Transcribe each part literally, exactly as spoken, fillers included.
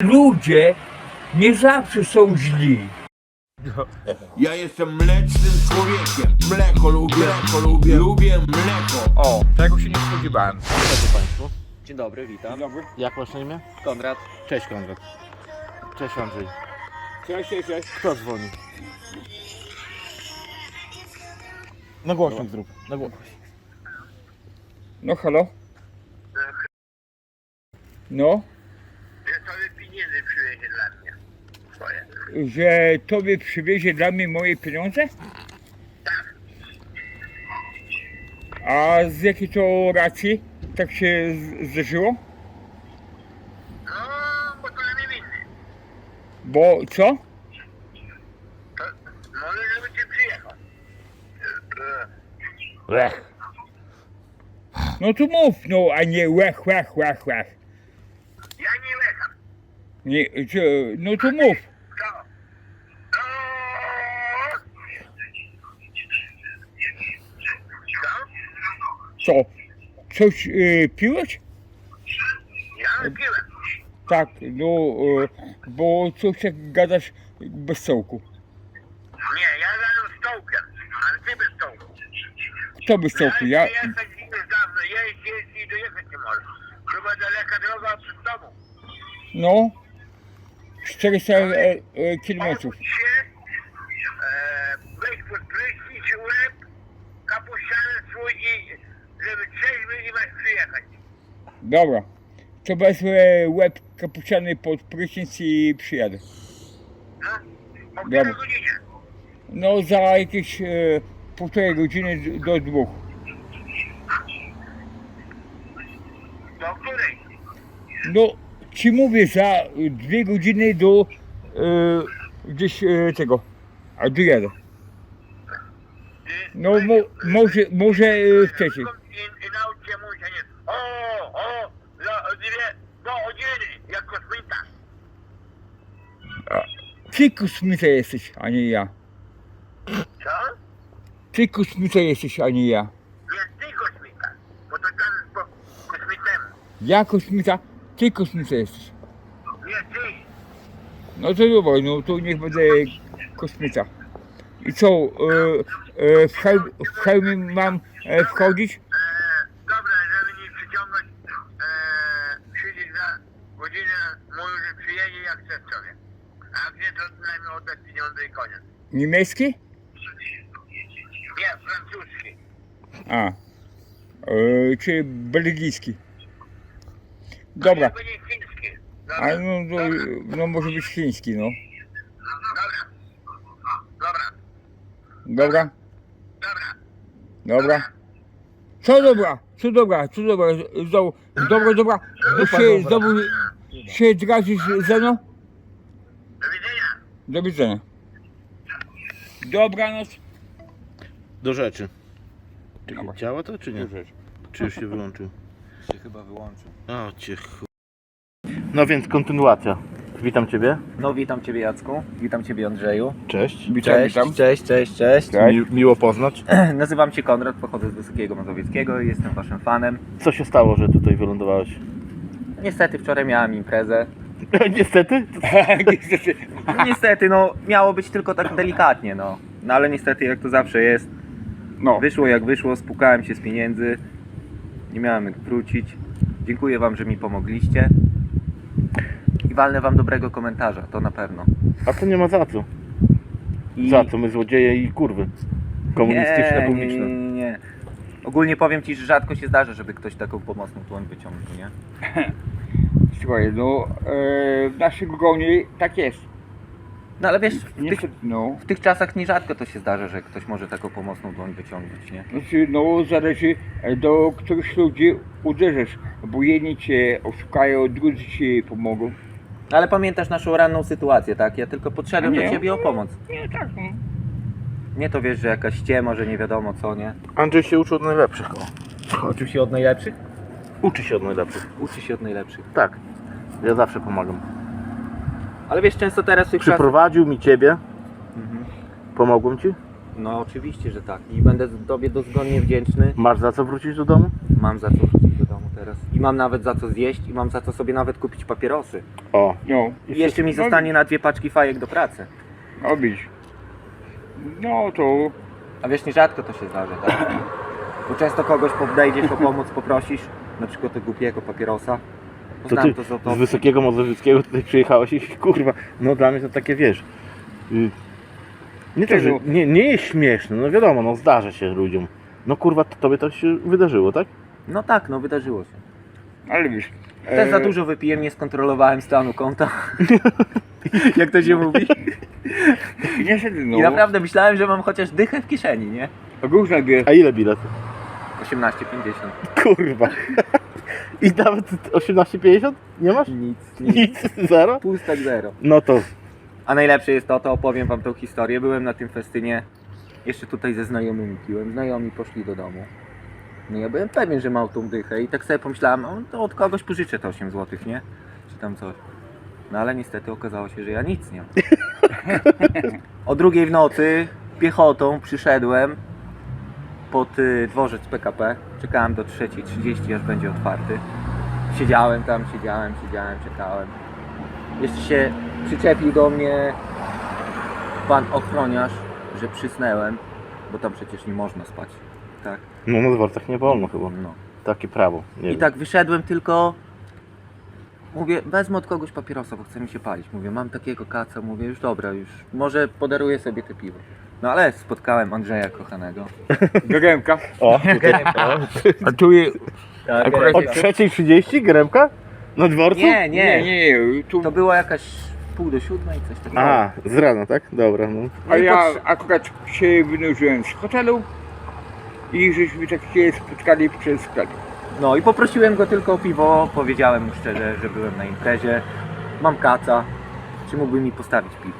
ludzie nie zawsze są źli. Ja jestem mlecznym człowiekiem. Mleko lubię, mleko lubię, lubię mleko. O, tego się nie spodziewałem. Cześć Państwu. Dzień dobry, witam. Dobry. Jak masz na imię? Konrad. Cześć Konrad. Cześć Andrzej. Cześć, cześć, cześć. Kto dzwoni? Na głośnik zrób. Na głośnik. No halo? No, Że sobie pieniędzy przywiezie dla mnie. Swoje. że tobie przywiezie dla mnie moje pieniądze? A z jakiej to racji tak się z- zdarzyło? No, bo to na mnie winny. Bo co? To może żeby cię przyjechał. E, Lech. No to mów, no, a nie łech, łech, łech, łech. Ja nie lecham. Nie, co, no to mów. Co? Co? Co? Coś y, piłeś? Ja piłem. Tak, no, y, bo coś tak gadasz bez sołku. Nie, ja gadam z stołkiem, ale ty bez stołku. Kto bez sołku? Ja, Ja jechać już dawno, jeźdź, jeźdź i dojechać nie możesz. Chyba daleka droga przed tobą. no, czterysta e, e, kilometrów. Obudź się, e, weź pod prysznic, łeb, kapuściany swój i żeby trzeźwy i masz przyjechać. Dobra, to wezmę łeb kapuciany pod prysznic i przyjadę. No, o Dobra. której godzinie? No, za jakieś e, półtorej godziny d- do dwóch. Do której? No, ci mówię, za dwie godziny do e, gdzieś e, tego, a dojadę. Ty, No, weź- mo, może, może e, wcześniej. I, i naucz się mówić, a nie o, o, za dwie godziny, jak kosmita. Ty kosmita jesteś, a nie ja. Co? Ty kosmita jesteś, a nie ja. Nie ty kosmita, bo to tam po kosmitemu. Ja kosmita, ty kosmita jesteś. Nie ty. No to dobra, no to niech będę kosmita. I co, e, e, w, hełm, w hełmie mam e, wchodzić? E, dobra, żeby nie przyciągać, e, przyjdzie za godzinę, mówił, że przyjedzie jak chce sobie. A jak nie, to najmniej oddać pieniądze i koniec. Niemiecki? Nie, francuski. A, e, czy belgijski? Dobra, To będzie chiński. a Dobra, no, to, no może być chiński, no. dobra. Dobra, Dobra, dobra. dobra. Co dobra, co dobra, co dobra, znowu, dobra, dobra, to się znowu się drazisz ze mną? Do widzenia. Do widzenia. Dobranoc. Do rzeczy. Dobra. Działa to czy nie? Do rzeczy. Czy już się wyłączył? Się chyba wyłączył. O cię ch... No więc kontynuacja. Witam Ciebie. No witam Ciebie Jacku, witam Ciebie Andrzeju. Cześć. Witam, Cześć, witam. cześć, cześć, cześć. Cześć. Mi, miło poznać. Nazywam się Konrad, pochodzę z Wysokiego Mazowieckiego i jestem Waszym fanem. Co się stało, że tutaj wylądowałeś? Niestety wczoraj miałam imprezę. Niestety. Niestety. Niestety, no miało być tylko tak delikatnie, no. No ale niestety jak to zawsze jest, No, wyszło jak wyszło, spłukałem się z pieniędzy. Nie miałem jak wrócić. Dziękuję Wam, że mi pomogliście. I walnę Wam dobrego komentarza, to na pewno. A to nie ma za co. I... Za co? My złodzieje i kurwy. Komunistyczne, nie, publiczne. Nie, nie, nie. Ogólnie powiem Ci, że rzadko się zdarza, żeby ktoś taką pomocną dłoń wyciągnął, nie? słuchaj, no e, w naszym gronie tak jest. No ale wiesz, w tych, Niestety, no. w tych czasach nierzadko to się zdarza, że ktoś może taką pomocną dłoń wyciągnąć, nie? Znaczy, no zależy do których ludzi uderzysz, bo jedni cię oszukają, drudzy ci pomogą. Ale pamiętasz naszą ranną sytuację, tak? Ja tylko podszedłem Nie. do Ciebie o pomoc. Nie, tak, no. Nie to wiesz, że jakaś ściema, że nie wiadomo co, nie? Andrzej się uczy od najlepszych. Uczy się od najlepszych? Uczy się od najlepszych. Uczy się od najlepszych. Tak. Ja zawsze pomagam. Ale wiesz, często teraz w tych czasach... Przyprowadził mi Ciebie. Mhm. Pomogłem Ci. No oczywiście, że tak. I będę Tobie dozgonnie wdzięczny. Masz za co wrócić do domu? Mam mam za co wrócić do domu teraz. I mam nawet za co zjeść i mam za co sobie nawet kupić papierosy. O, No, I jeszcze mi zostanie na dwie paczki fajek do pracy. no widzisz. No to A wiesz, nierzadko to się zdarza, tak? Bo często kogoś podejdziesz o pomoc, poprosisz, na przykład tego głupiego papierosa. to Poznałem ty to z z autobusu. Wysokiego Mazowieckiego tutaj przyjechałeś i kurwa, no dla mnie to takie wiesz. y, Nie to, że nie, nie jest śmieszne, no wiadomo, no zdarza się ludziom. No kurwa, to tobie to się wydarzyło, tak? No tak, no wydarzyło się. ale wiesz. Też e, za dużo wypiłem, nie skontrolowałem stanu konta. Jak to się mówi? Niestety, no. I naprawdę myślałem, że mam chociaż dychę w kieszeni, nie? Różne wie. A ile bilet? osiemnaście pięćdziesiąt. Kurwa. I nawet osiemnaście pięćdziesiąt? Nie masz? Nic, nic. Nic, zero? Pustek zero. No to A najlepsze jest to, to opowiem wam tą historię. Byłem na tym festynie, jeszcze tutaj ze znajomymi piłem. Znajomi poszli do domu. No ja byłem pewien, że mam tą dychę i tak sobie pomyślałem, o, to od kogoś pożyczę te osiem złotych, nie? Czy tam coś. No ale niestety okazało się, że ja nic nie mam. O drugiej w nocy piechotą przyszedłem pod y, dworzec P K P. Czekałem do trzeciej trzydzieści, aż będzie otwarty. Siedziałem tam, siedziałem, siedziałem, czekałem. Jeszcze się przyczepił do mnie pan ochroniarz, że przysnęłem, bo tam przecież nie można spać. Tak, no na dworcach nie wolno chyba. no. Takie prawo. Nie I wiem. tak wyszedłem tylko, mówię, wezmę od kogoś papierosa, bo chce mi się palić. Mówię, mam takiego kaca, mówię, już dobra, już, może podaruję sobie te piwo. No ale spotkałem Andrzeja kochanego. Geremka. O, tutaj, A tu jest. Tak, Akurat- o trzeciej trzydzieści gremka? Na dworcu? Nie, Nie, nie, nie, nie. Tu, to była jakaś pół do siódmej, coś takiego. A, z rana, tak? Dobra, no. a i ja pod- akurat się wynurzyłem z hotelu i żeśmy tak się spotkali przez sklep. No i poprosiłem go tylko o piwo, powiedziałem mu szczerze, że byłem na imprezie, mam kaca, czy mógłby mi postawić piwo.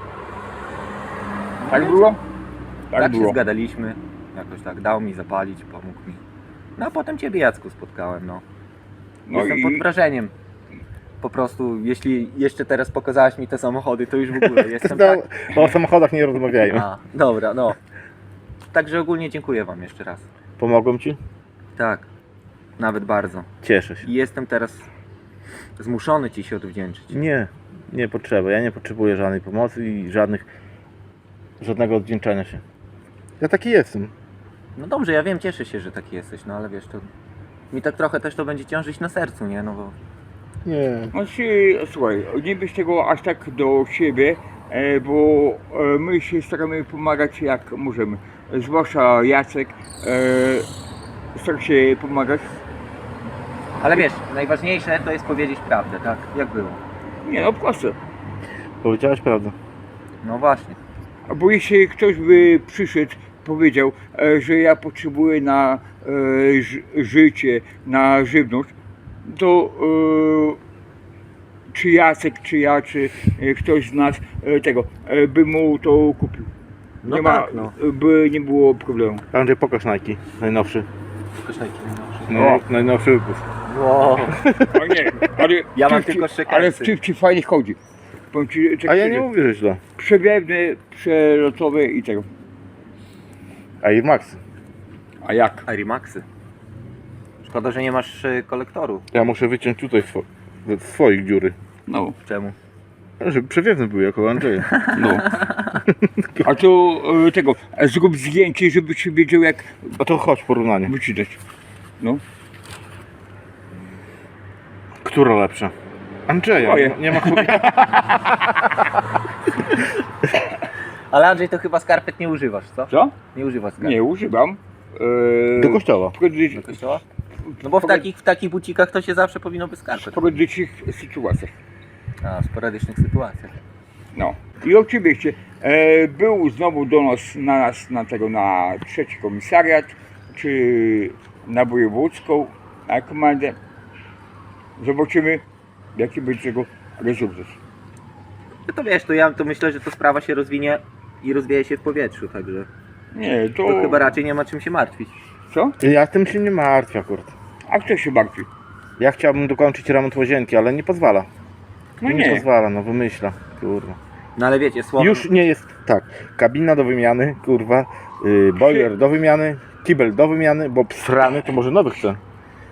Tak było? Tak, Tak się było. zgadaliśmy, jakoś tak, dał mi zapalić, pomógł mi. No a potem Ciebie, Jacku, spotkałem, no. No Jestem pod i wrażeniem. Po prostu, jeśli jeszcze teraz pokazałeś mi te samochody, to już w ogóle jestem No, tak... o samochodach nie rozmawiajmy. A, dobra, no. Także ogólnie dziękuję Wam jeszcze raz. Pomogłem ci? Tak, nawet bardzo. Cieszę się. I jestem teraz zmuszony Ci się odwdzięczyć. Nie, nie potrzeba. Ja nie potrzebuję żadnej pomocy i żadnych, żadnego odwdzięczania się. Ja taki jestem. No dobrze, ja wiem, cieszę się, że taki jesteś, no ale wiesz, to mi tak trochę też to będzie ciążyć na sercu, nie? No bo Nie. Znaczy, słuchaj, nie bierz tego aż tak do siebie, e, bo e, my się staramy pomagać jak możemy. Zwłaszcza Jacek e, stara się pomagać. ale wiesz, najważniejsze to jest powiedzieć prawdę, tak? Jak było. Nie no, proste. Powiedziałeś prawdę. No właśnie. Bo jeśli ktoś by przyszedł, powiedział, e, że ja potrzebuję na e, ży- życie, na żywność, to e, czy Jacek, czy ja, czy e, ktoś z nas e, tego e, by mu to kupił. No nie tak, no. by nie było problemu. Andrzej, pokaż Nike. Najnowszy. Kosztajki No, O. najnowszy wypust. Wow. A nie, ale Ja mam Chipci- tylko ale w szykarsy. Chipci fajnie chodzi. Powiem ci, tak A ja szczerze, nie mówię, że źle. przewiewny, przelotowy i tego. Air Max. A jak? Arimaxy. Szkoda, że nie masz y, kolektoru. Ja muszę wyciąć tutaj swo ze swoich dziury. No. Czemu? Żeby przewiewny był jako Andrzeja. No. A to e, tego, e, zrób zdjęcie, żebyś wiedział jak A to chodź porównanie. wyczytać. No. Która lepsza? Andrzeja. Moje. Nie ma chuja. Ale Andrzej, to chyba skarpet nie używasz, co? Co? Nie używasz skarpet. Nie, używam. E, Do kościoła. w pojedynczych- Do kościoła? No bo w takich, w takich bucikach to się zawsze powinno być w skarpet. pojedynczych sytuacjach. A, w sporadycznych sytuacjach. No. I oczywiście e, był znowu do nas, na nas, na tego, na trzeci komisariat, czy na wojewódzką, na komendę. Zobaczymy, jaki będzie tego rezultat. No to wiesz, to ja to myślę, że to sprawa się rozwinie i rozwieje się w powietrzu, także Nie, to... to chyba raczej nie ma czym się martwić. Co? Ja tym się nie martwię akurat. A kto się martwi? Ja chciałbym dokończyć remont łazienki, ale nie pozwala. No nie, nie. pozwala, no wymyśla. Kurwa. No ale wiecie, słowo... Już nie jest tak. Kabina do wymiany, kurwa. Yy, boiler do wymiany, kibel do wymiany, bo psrany to może nowy chce.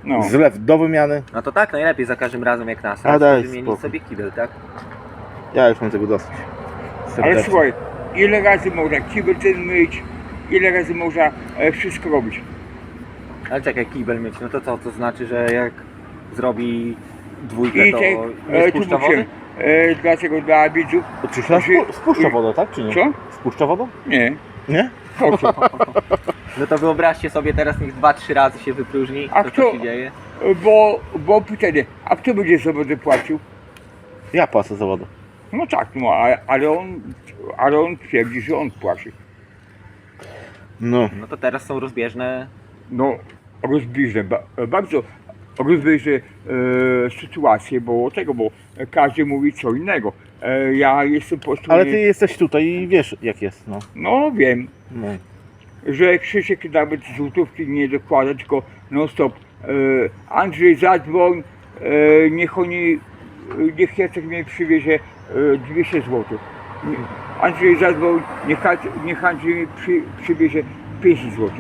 No. Zlew do wymiany. No to tak, najlepiej za każdym razem jak nas. A daj wymienić spokój. sobie kibel, tak? Ja już mam tego dosyć. Ale Serdecznie. słuchaj, ile razy można kibel ten myć, ile razy można e, wszystko robić. Ale czekaj, kibel myć, no to co? To znaczy, że jak zrobi dwójkę, I to te, nie e, tu spuszcza mówię, wody? e, dlaczego dla widzów, Czy się spu- spuszcza wodę, tak czy nie? co? Spuszcza wodę? Nie, Nie? po co? No to wyobraźcie sobie teraz, niech dwa, trzy razy się wypróżni, A to kto- co się dzieje? Bo, bo pytanie, a kto będzie za wodę płacił? Ja płacę za wodę. No tak, no ale, ale on, ale on twierdzi, że on płaci. No. No to teraz są rozbieżne. No, rozbliżę, ba, bardzo rozbliżę e, sytuację, bo tego, bo każdy mówi co innego. E, ja jestem po prostu, Ale nie- ty jesteś tutaj i wiesz jak jest, no. no wiem, no. że Krzysiek nawet złotówki nie dokłada, tylko non stop. E, Andrzej zadzwoń, e, niech oni, niech Jacek mnie przywiezie e, dwieście złotych. Nie- Andrzej zadzwoń, niech, Andrzej- niech Andrzej mi przy, przywiezie pięćdziesiąt złotych.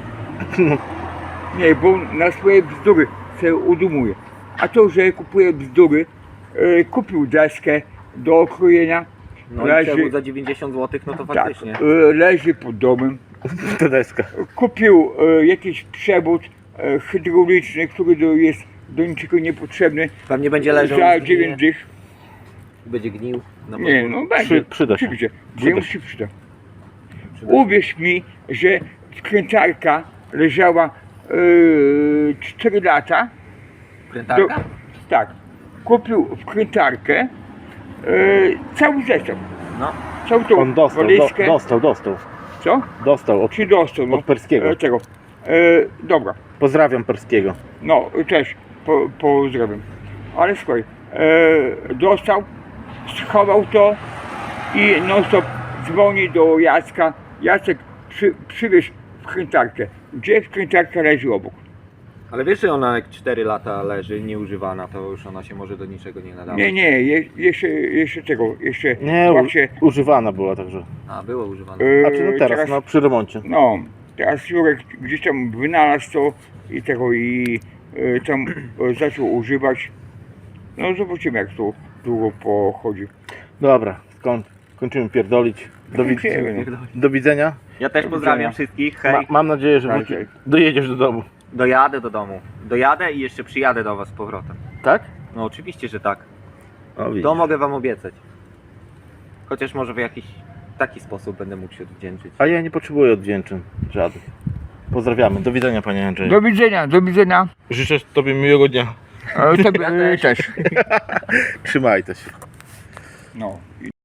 Nie, bo na swoje bzdury się udumuje. A to, że kupuje bzdury, e, kupił deskę do okrojenia, No i leży, przewód za dziewięćdziesiąt złotych, no to tak, faktycznie. e, leży pod domem. Ta deska. Kupił e, jakiś przewód e, hydrauliczny, który do, jest do niczego niepotrzebny, Pewnie będzie leżał za i zginie, dziewięć dych. będzie gnił. No bo- Nie, no będzie. Przy- przyda się. Przyjdzie. Przyda Jemu się. się przyda. przyda się. Uwierz mi, że wkrętarka leżała e, cztery lata. Prętarka? Do- tak. Kupił wkrętarkę, e, cały zestaw. No. Całą tą On dostał, do, walizkę. dostał, dostał. Co? Dostał od, Czy dostał? No, od Perskiego. e, tego. E, dobra. Pozdrawiam Perskiego. No, też po, pozdrawiam. Ale słuchaj, e, dostał, schował to i non stop dzwoni do Jacka. Jacek, przy, przywieź wkrętarkę. Gdzie wkrętarka leży obok? Ale wiesz, że ona jak cztery lata leży nieużywana, to już ona się może do niczego nie nadawać. Nie, nie, je, jeszcze, jeszcze tego, jeszcze Nie, właśnie, u, używana była także. A, była używana. e, A czy no teraz, no przy remoncie. no, teraz Jurek gdzieś tam wynalazł to i tego i e, tam e, zaczął używać. No zobaczymy jak to długo pochodzi. Dobra, skoń, kończymy pierdolić. Do, wid- Kończymy, no. do widzenia. Ja też Do pozdrawiam widzenia. wszystkich, hej. Ma, mam nadzieję, że Tak, wróci, tak. dojedziesz do domu. Dojadę do domu. Dojadę i jeszcze przyjadę do was z powrotem. Tak? No oczywiście, że tak. O, widzisz. To mogę wam obiecać. Chociaż może w jakiś taki sposób będę mógł się odwdzięczyć. A ja nie potrzebuję odwdzięczeń żadnych. Pozdrawiamy. Do widzenia panie Andrzeju. Do widzenia, do widzenia. Życzę tobie miłego dnia. E, tobie Ja e, też. też. Trzymajcie się. No.